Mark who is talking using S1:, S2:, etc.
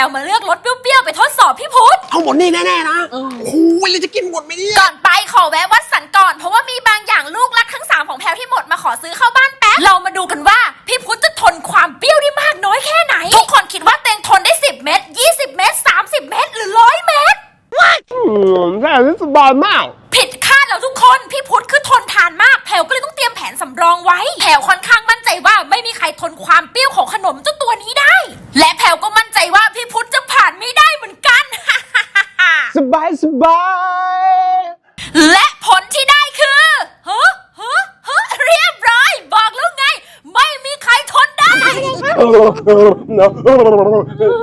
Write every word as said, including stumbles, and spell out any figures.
S1: วมาเลือกรสเปรี้ยวๆไปทดสอบพี่พุทธ
S2: เอาหมดนี่แน่ๆนะโอ้โหเลยจะกินหมดไหมเนี่ย
S1: ก่อนไปขอแวะวัดสันก่อนเพราะว่ามีบางอย่างลูกรักทั้งสามของแพลวที่หมดมาขอซื้อเข้าบ้านแป๊บเรามาดูกันว่าพี่พุทธจะทนความเปรี้ยวได้มากน้อยแค่ไหนทุกคนคิดว่าเตงทนได้สิบเม็ดยี่สิบเม็ดสามสิบเม็ดหรือร้อยเม็ด
S2: อืมแค่นี้สบายมาก
S1: ผิดคาดแล้วทุกคนพี่พุทธคือทนทานมากแพลวก็เลยต้องเตรียมแผนสำรองไว้แพลวค่อนข้างมั่นใจว่าไม่มีใครทนความเปรี้ยวของขนมเจ้าตัวนี้ได้และแพลวก็มั่นใจว่าพี่พุทธจะผ่านไม่ได้เหมือนกัน
S2: สบายสบาย
S1: และผลที่ได้คือฮะฮะฮะเรียบร้อยบอกแล้วไงไม่มีใครทนได้